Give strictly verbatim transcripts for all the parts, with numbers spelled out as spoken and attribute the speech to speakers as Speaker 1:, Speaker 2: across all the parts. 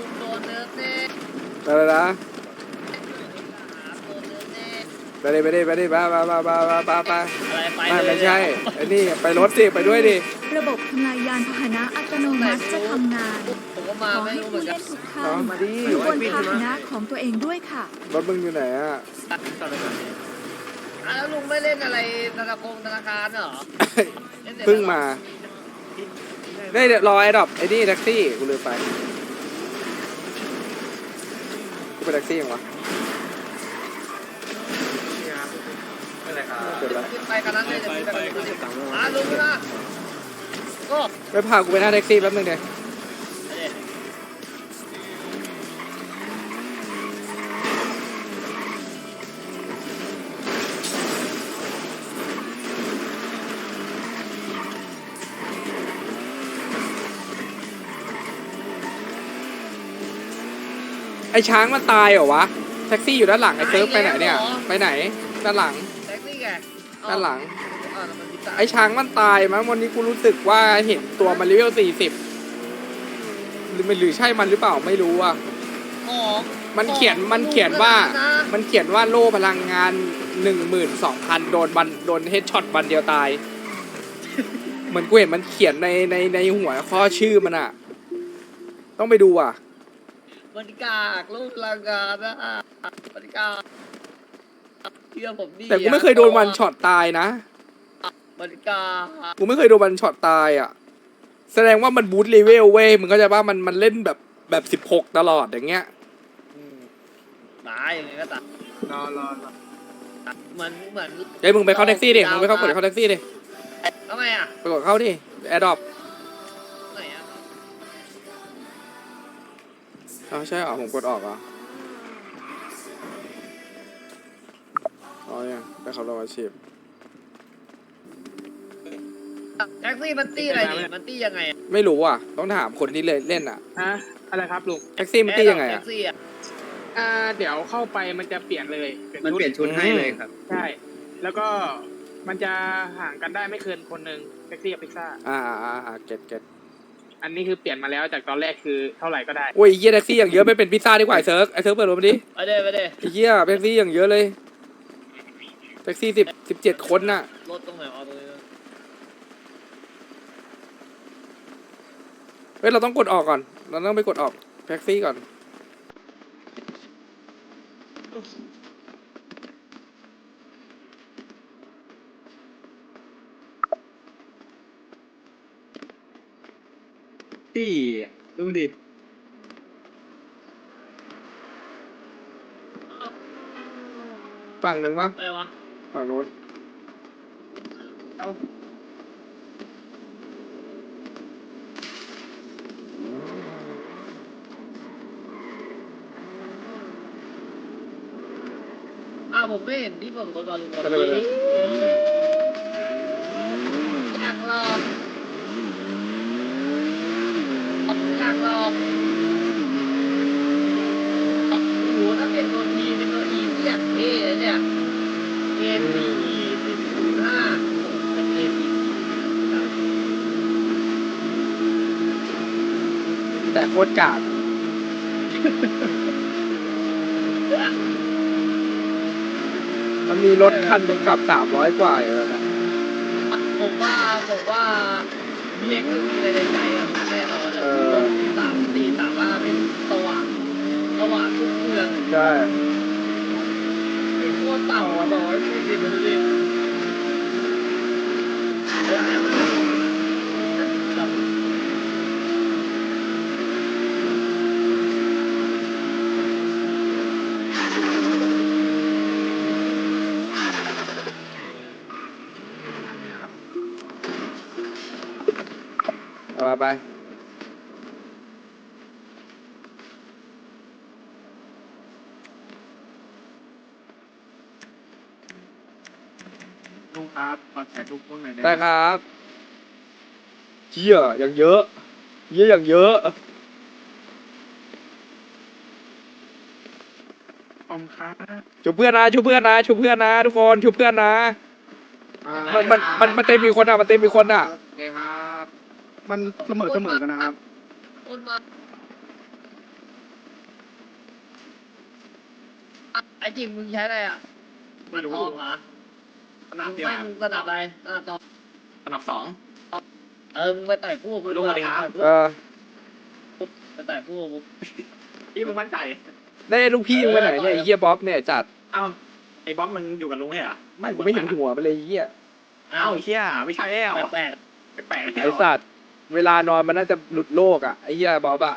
Speaker 1: ลุงโดนเนื้อเน่
Speaker 2: อะไรนะ
Speaker 1: โดนเนื้อเน่
Speaker 2: ไปดิไปดิไปดิไปไปไปไปไปไป
Speaker 1: อะไรไป
Speaker 2: ไม่
Speaker 1: เลย
Speaker 2: ไม่ใช่ไอ้นี่ไปรถสิไปด้วยดิ
Speaker 3: ระบบทำลายยานพาหนะอัตโนมัติจะทำงาน
Speaker 1: ผมก็
Speaker 3: ข
Speaker 1: มา
Speaker 3: อ
Speaker 1: ไม่
Speaker 3: ให้
Speaker 1: รู้เหมื
Speaker 3: ผู้
Speaker 1: อนกั
Speaker 3: เล่
Speaker 1: น
Speaker 3: นทุกท่า
Speaker 2: เอา
Speaker 3: น
Speaker 4: มาดิ
Speaker 3: อยู่บนพาหนะของตัวเองด้วยค่ะ
Speaker 2: รถมึงอยู่ไหนอ่ะ
Speaker 1: อ่ะแล้วลุงไม่เล่นอะไรธนาคารธนาคารเหรอล่นแต่
Speaker 2: เพิ่งมาได้เดี๋ยวรอไอ้ดอกไอ้นี่แท็กซี่กูลืมไปกูเป็นแท็กซี่ยังวะ
Speaker 5: ไม่เลยครับ
Speaker 2: เกิดอะไร
Speaker 1: ขึ้นไปกันนั้นเลยจะขึ้นไปกันนั้นเลยอ่ะลุงนะก็
Speaker 2: ไปพากูไปหน้าแท็กซี่แป๊บนึงเดี๋ยว ไอ้ช้างมันตายเหรอวะแท็กซี่อยู่ด้านหลังไอ้เซิร์ฟไปไหนเนี่ยไปไหนด้านหลัง
Speaker 1: แท็กซี่ไง
Speaker 2: ด้านหลัง
Speaker 1: อ่ะแล้วมันมีตา
Speaker 2: ไอ้ช้างมันตายมั้งวันนี้กูรู้สึกว่าเห็นตัวมันเลเวลสี่สิบหรือมันหรือใช่มันหรือเปล่าไม่รู้อ่ะ
Speaker 1: ของ
Speaker 2: มันเขียนมันเขียนว่า มันเขียนว่าโล่พลังงานหนึ่งหมื่นสองพันโดนบันโดนเฮดช็อตบันเดียวตาย เหมือนกูเห็นมันเขียนในในในหัวข้อชื่อมันอ่ะ ต้องไปดูอ่ะ
Speaker 1: บริการลูกลังกานะบริการเชื่อผมดิ
Speaker 2: แต่กูไม่เคยโดนวันช็อตตายนะ
Speaker 1: บริการ
Speaker 2: กูไม่เคยโดนวันช็อตตายอ่ะ แสดงว่ามันบูทเลเวลเว้ยมึงก็จะว่ามันมันเล่นแบบแบบสิบหกตลอดอย่างเงี้ย
Speaker 1: ตายอย่างไงก็ตาย
Speaker 4: รอรอรอ
Speaker 1: เหมือนเหมือน
Speaker 2: เฮ้ยมึงไปเข้าแท็กซี่ดิมึงไปเข้ากดเข้าแท็กซี่ดิ
Speaker 1: ทำไมอ่ะ
Speaker 2: ไปกดเข้าดิแอร์ดรอป
Speaker 1: ไหนอ่ะ
Speaker 2: อ๋อใช่เหรอผมกดออกเหรออ๋อยังไปเขาลงอาชีพ
Speaker 1: แท็กซี่มันตี้อะไรนี่มันตี้ยังไงอ่ะ
Speaker 2: ไม่รู้อ่ะต้องถามคนที่เลยเล่นอ่ะ
Speaker 6: ฮะอะไรครับลุง
Speaker 2: แท็กซี่มันตี้ยังไง
Speaker 1: แท็
Speaker 2: อ่ะ
Speaker 1: กซี่อ่ะ
Speaker 6: อ่าเดี๋ยวเข้าไปมันจะเปลี่ยนเลย
Speaker 5: มันเปลี่ยนชุดให้เลยครับ
Speaker 6: ใช่แล้วก็มันจะห่างกันได้ไม่เกินคนหนึ่งแท็กซี่กับพิซซ่า
Speaker 2: อ่าอ่าอ่าอ่าเก็ตเก็ต
Speaker 6: อันนี้คือเปลี่ยนมาแล้วจากตอนแรกคือเท่าไหร่ก็ได้
Speaker 2: โอ้ยเยี่ยแท็กซี่อย่างเยอะไม่เป็นพิซซ่าดีกว่าไอ้เซิร์ฟไอ้เซิร์ฟเปิดรถมาดิ
Speaker 1: ไปเด้ไปเด้
Speaker 2: ไอ้เยี่ยแท็กซี่อย่างเยอะเลยแท็กซี่สิบสิบเจ็ดคนน่ะ
Speaker 1: รถตรงไหนเอาตรงนี้
Speaker 2: เฮ้ยเราต้องกดออกก่อนเราต้องไปกดออกแท็กซี่ก่อน
Speaker 5: ที่ดูดิ
Speaker 2: ฝั่งหนึ่งวะ
Speaker 1: ไปวะ
Speaker 2: ฝั่งนู้น
Speaker 1: อ้าวผมไม่เห็นที่ผมกดก่อนลุง
Speaker 2: ไปเลยไปเลย
Speaker 1: อยากลองอยากลองโอ้โหถ้าเป็นตัวทีเป็นตัวอีที่อยากเท่เลยเนี่ยเอ็นดีสิบศูนย์ห้าเป็นเอ็นดี
Speaker 2: แต่โคตรกากมันมีรถคันหนึงขับสามร้อยกว่าอยู่แล้วนะ
Speaker 1: ผมว่าผมว่าเล็กมีอะไรในใจอ่ะแน่นอนอ่ะสามสี่สามว่าเป็นสว่างสว่างทุกเมือง
Speaker 2: ใช่
Speaker 1: เป็นพวกเต่าอ่ะบอกว่าสี่สิบนาที
Speaker 2: เอามาไป
Speaker 5: ลุงครับขอถ่ายรูปพวกหน่อยได้
Speaker 2: ได้ครับเชี่ยอย่างเยอะเยี่ยอย่างเยอะ
Speaker 5: ขอบคุณครับ
Speaker 2: ชูเพื่อนนะชูเพื่อนนะชูเพื่อนนะทุกคนชูเพื่อนนะมันมันมันมันเต็มมีคนอ่ะมันเต็มมีคนอ่ะ
Speaker 5: โอเคครับ
Speaker 4: มันเสมอเสมอกันนะครับ
Speaker 1: คนมาไอ้จริงมึงใช้อะไรอ่ะ
Speaker 7: ไม่รู้
Speaker 1: ทองเหรอ
Speaker 7: สนามเดียว
Speaker 1: ไม่มึงระดับอะไรระดับทอง
Speaker 7: สนามสอง
Speaker 1: เออมึงไปต่อยคู่กู
Speaker 7: ลุงสวัสดีครับ
Speaker 2: เออ
Speaker 1: ไปต่อยคู่กู
Speaker 7: พี่มึงมั่นใจ
Speaker 2: ได้ลูกพี่มึงไปไหนเนี่ยไอ้เหี้ยบ๊อบเนี่ยจัด
Speaker 7: เอ้าไอ้บ๊อบมึงอยู่กับลุงเหรอ
Speaker 2: ไม่กูไม่เห็นหัวไปเลยไอ้เหี้ย
Speaker 7: เอ้าไอ้เชี่ยไม่ใช่แล้ว
Speaker 1: แปลก
Speaker 7: แปลกๆ
Speaker 2: ไอ้สัตว์เวลานอนมันน่าจะหลุดโลกอ่ะไอ้เหี้ยบ๊อบอะ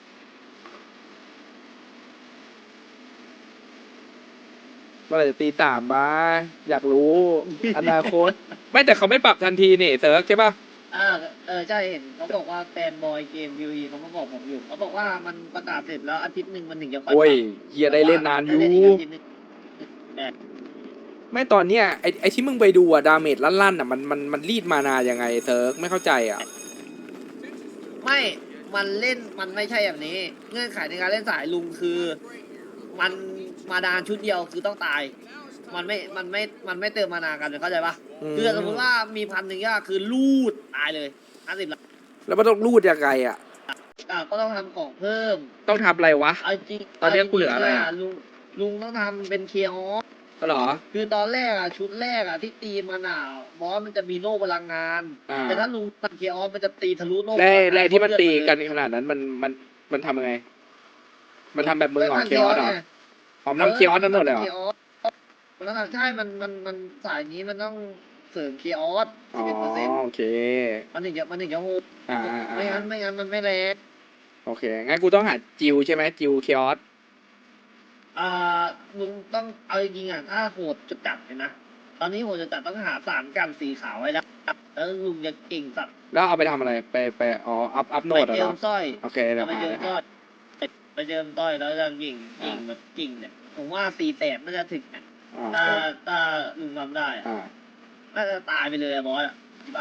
Speaker 2: เมื่อไหร่จะตีสามมาอยากรู้อนาคต ไม่แต่เขาไม่ปรับทันทีนี่เซิร์กใช่ป่ะ
Speaker 1: ๆอ่าเออใช่เห็นเขาบอกว่าแฟนบอยเกมวิวอีเขามาบอกผมอยู่เขาบอกว่ามันประกาศเสร็จแล้วอาทิตย์หนึ่งมันถึงจะค่อย
Speaker 2: โอ้ยเหี้ยได้เล่นนานอยู่
Speaker 1: ได้เล่นอีกอาทิตย์หนึ่งแต่
Speaker 2: ไม่ตอนเนี้ยไอ้ไอ้ที่มึงไปดูอะดาเมจลั่นๆอะมันมันมันรีดมานายังไงเซิร์กไม่เข้าใจอะ
Speaker 1: ไม่มันเล่นมันไม่ใช่แบบนี้ เงื่อนไขในการเล่นสายลุงคือ มันมาดานชุดเดียวคือต้องตาย มันไม่มันไม่มันไม่เติมมานากันเลยเข้าใจปะคือสมมติว่ามีพันหนึ่งก็คือลูดตายเลยห้าสิบละ
Speaker 2: แล้วมันต้องรูดยังไงอะ
Speaker 1: อ่ะก็ต้องทำของเพิ่ม
Speaker 2: ต้องทำอะไรวะ
Speaker 1: เอาจริง
Speaker 2: ตอนนี้กูเหลืออะไรอะ
Speaker 1: ลุงลุงต้องทำเป็นเคียร์ออฟ
Speaker 2: ก็หรอ
Speaker 1: คือตอนแรกอ่ะชุดแรกอ่ะที่ตีมันอ่ะบอสมันจะมีโล่พลังงาน
Speaker 2: อ่า
Speaker 1: แต่ถ้าลุงตัดเคียร์ออฟมันจะตีทะลุโล่
Speaker 2: แร่แร่ที่มันตีกัน
Speaker 1: เลย
Speaker 2: ขนาดนั้นมันมันมันทำยังไง มันทำแบบมือหงอ
Speaker 1: มัน
Speaker 2: เคียวเหรอ
Speaker 1: ไง
Speaker 2: หอมน้ำเคียวนั่นหมดเลยเหรอ
Speaker 1: เคียร์ออฟมันต้องทำใช่มันมันมันสายนี้มันต้องเสริมเคียร์ออฟ
Speaker 2: อ๋
Speaker 1: สิบเอ็ดเปอร์เซ็นต์
Speaker 2: อโอเค
Speaker 1: มันถึงจะมันถึงจะโหด
Speaker 2: อ่าอ่า
Speaker 1: ไม่งั้
Speaker 2: อ่าน
Speaker 1: ไม่งั้นมันไม่แรง
Speaker 2: โอเคงั้นกูต้องหาจิวใช่ไหมจิวเคียวส
Speaker 1: อ่าลุงต้องเอาจริงๆอ่ะถ้าโหดจุดจัดเลยนะตอนนี้โหดจุดจัดต้องหาสารกันสีขาวไว้แล้วแล้วลุงจะเก่งสัตว์
Speaker 2: แล้วเอาไปทำอะไรไปไปอ๋ออัพอัพโน
Speaker 1: ไป
Speaker 2: ดเหร
Speaker 1: เจิ
Speaker 2: อ
Speaker 1: มสร้อย
Speaker 2: โอเคเดี๋ยว
Speaker 1: ไป
Speaker 2: หา
Speaker 1: เจิม
Speaker 2: เลย
Speaker 1: สร้อยไปเจิมสร้อยแล้วจะกิ่งกิ่งแบบกิ่งเนี่ยผมว่าสี่แสนน่าจะถึงนะ
Speaker 2: อ่า
Speaker 1: ถ้าถ้าลุงทำได้อะ
Speaker 2: อ่า
Speaker 1: น่าจะตายไปเลยอะบอสอะ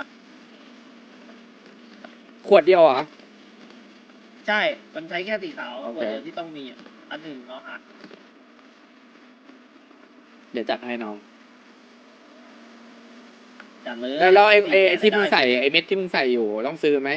Speaker 2: ขวดเดียวเหรอ
Speaker 1: ใช่ มันใช้แค่สีขาว
Speaker 2: โอเค
Speaker 1: คนเดียวที่ต้องมีอะอันหนึ่งเนาะหา
Speaker 2: เดี๋ยวจัดให้น้อง
Speaker 1: จัดเลย
Speaker 2: แล้วแล้วไอ้ไอ้ไอ้ที่มึง
Speaker 1: ได้
Speaker 2: ใส่ไอ้เม็ดที่มึงใส่อยู่ต้องซื้อไหม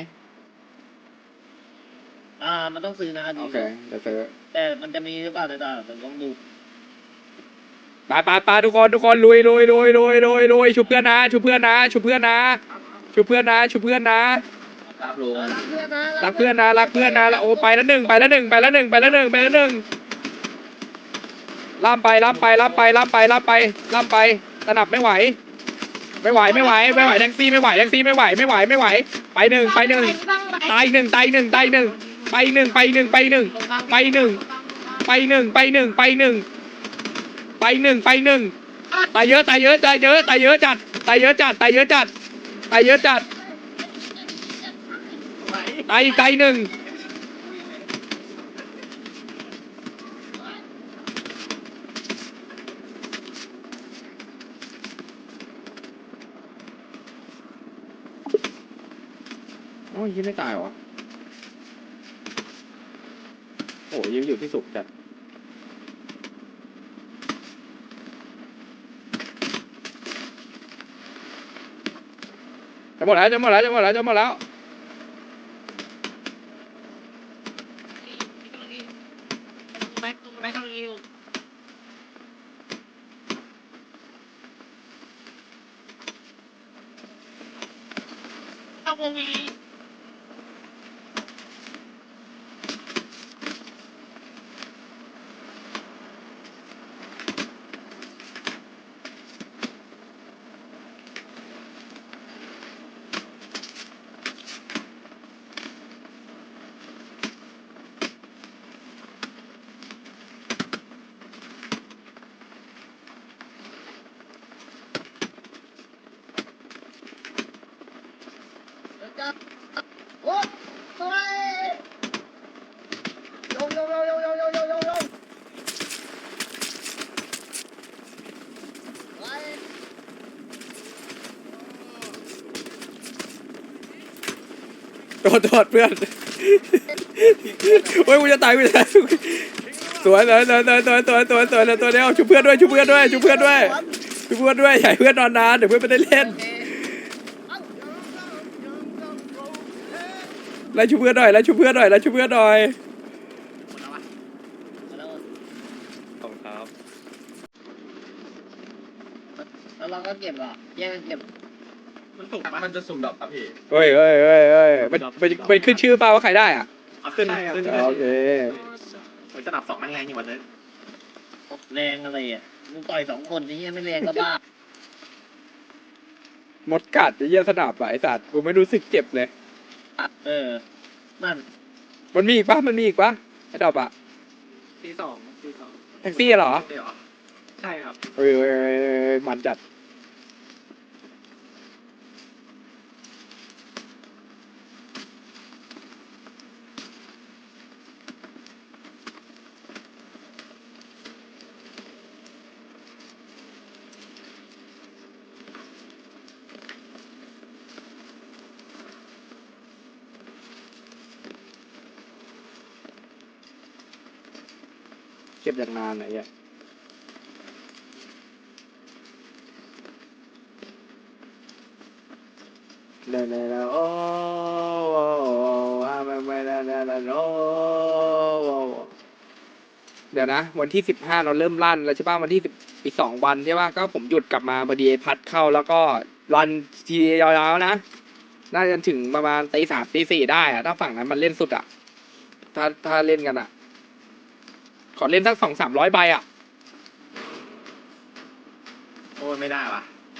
Speaker 1: อ่ามันต้องซื้อนะน
Speaker 2: โอ
Speaker 1: นี้
Speaker 2: เคเดี๋ยวซื้อ
Speaker 1: แต่มันจะมีหรือเปล่าแต่แต่ต้องดู
Speaker 2: ไปไปไปทุกคนทุกคนลุยลุยลุยลุยลุยลุยชุบเพื่อนนะชุบเพื่อนนะชุบเพื่อนนะชุบเพื่อนนะชุบเพื่อนนะ
Speaker 1: เออรักเพื่อนนะ
Speaker 2: รักเพื่อนนะรักเพื่อนนะแล้วโอ้ไปแล้วหนึ่งไปแล้วหนึ่งไปแล้วหนึ่งไปแล้วหนึ่งไปแล้วหนึ่งล่ามไปล่ามไปล่ามไปล่ามไปล่ามไปล่ามไปสนับไม่ไหว ไม่ไหวไม่ไหวไม่ไหวแท็กซี่ไม่ไหวแท็กซี่ไม่ไหวไม่ไหวไม่ไหวไปหนึ่งไปหนึ่งตายหนึ่งตายหนึ่งตายหนึ่งไปหนึ่งไปหนึ่งไปหนึ่งไปหนึ่งไปหนึ่งไปหนึ่งไปหนึ่งไปหนึ่งไปหนึ่งตายเยอะตายเยอะตายเยอะตายเยอะจัดตายเยอะจัดตายเยอะจัดตายเยอะจัดตายอีกตายหนึ่งโอ้ยยังไม่ตายวะโอ้ยยังอยู่ที่สุกจัดจะหมดแล้วจะหมดแล้วจะหมดแล้วจะหมดแล้ว
Speaker 1: โอ้สวยโยโยโยโยโยโยโยโยโยไป
Speaker 2: โดดโดดเพื่อนโอ้ยกูจะตายกูจะตายสวยสวยสวยสวยสวยสวยสวยสวยตัวเดียวชุบเพื่อนด้วยชุบเพื่อนด้วยชุบเพื่อนด้วยชุบเพื่อนด้วยใหญ่เพื่อนนอนนานเดี๋ยวเพื่อนไม่ได้เล่น
Speaker 1: โอเค
Speaker 2: ไล่ชุบเพื่อนหน่อยไล่ชุบเพื่อนหน่อยไล่ชุบเพื่อนหน่อย
Speaker 1: แล้ว
Speaker 5: ขอบคุณครับ
Speaker 1: ก็เก็บเหรอแย่งกันเก็บ
Speaker 7: มันสุ่มมันจะสุ่มดอกครับพี่
Speaker 2: เฮ้ยเฮ้ยเฮ้ยเฮ้ยมันมันมันขึ้นชื่อเปล่าว่าใครได้อ่ะ
Speaker 7: เอาขึ้นขึ้น
Speaker 2: โอเค
Speaker 7: ผมจะนับสองแรงๆอยู่วันนี้
Speaker 1: แรงอะไรอ่ะมึงต่อยสองคนนี่ยังไม่แรงก็บ้าม
Speaker 2: ดกัดไอ้เหี้ยสนับอะไอ้สัตว์กูไม่รู้สึกเจ็บเลย
Speaker 1: เออนั่น
Speaker 2: มันมีอีกปะมันมีอีกปะไอ้ดอกอะ
Speaker 5: ที่สองที่สอง
Speaker 2: แท็กซี่เหรอ
Speaker 7: เดี๋ยว
Speaker 5: ใช่ครับ
Speaker 2: เอ้ยเอ้ยเอ้ยเอ้ยมันจัดเก็บอย่างนานไหนอ่ะเดินเลยนะโอ้ฮาไม่ไม่ได้ได้โอ้เดี๋ยวนะ วันที่สิบห้าเราเริ่มลั่นแล้วใช่ป่ะวันที่สิบอีกสองวันใช่ป่ะก็ผมหยุดกลับมาพอดีพัดเข้าแล้วก็รันทียาวๆนะ น่าจะถึงประมาณตีสามตีสี่ได้อะถ้าฝั่งนั้นมันเล่นสุดอะถ้าถ้าเล่นกันอะขอเล่นสักสองสามร้อยใบอะ
Speaker 7: โอ้ยไม่ได้ว่ะ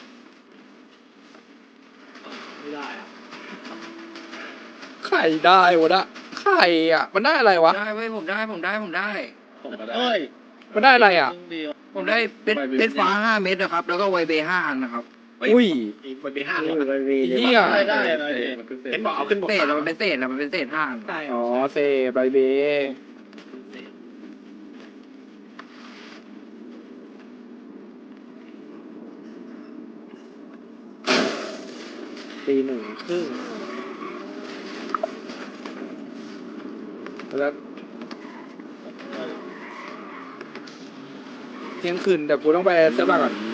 Speaker 5: ไม่ได้อะ
Speaker 2: ใครได้วะนะใครอะมันได้อะไรวะ
Speaker 4: ได้เว้ยผมได้ผมได้ผมได้
Speaker 5: ผมก็ได้
Speaker 1: เอ้ย
Speaker 2: มันได้อะไรอะ
Speaker 1: เดียว
Speaker 4: ผมได้เป็นเป็นฟ้าห้าเม็ดนะครับ แล้วก็ไวเบห้าอันนะครับ
Speaker 2: อุ้ย
Speaker 7: มันเป็นห้า
Speaker 5: เอ
Speaker 7: เลย
Speaker 5: อมันมี
Speaker 2: เหี้ย
Speaker 1: ได้ได้อะไร
Speaker 5: มันเป็นเศษ
Speaker 7: เห็นบอกเอาขึ้นบก
Speaker 4: เศษ
Speaker 7: สาม
Speaker 4: อะมันเป็นเศษอะมันเป็นเศษห้าอัน
Speaker 5: ใช่
Speaker 2: อ๋อเซบายเบตีหนึ่งครึ่งแล้วเที่ยงคืนแต่กูต้องไปเซิร์ฟก่อน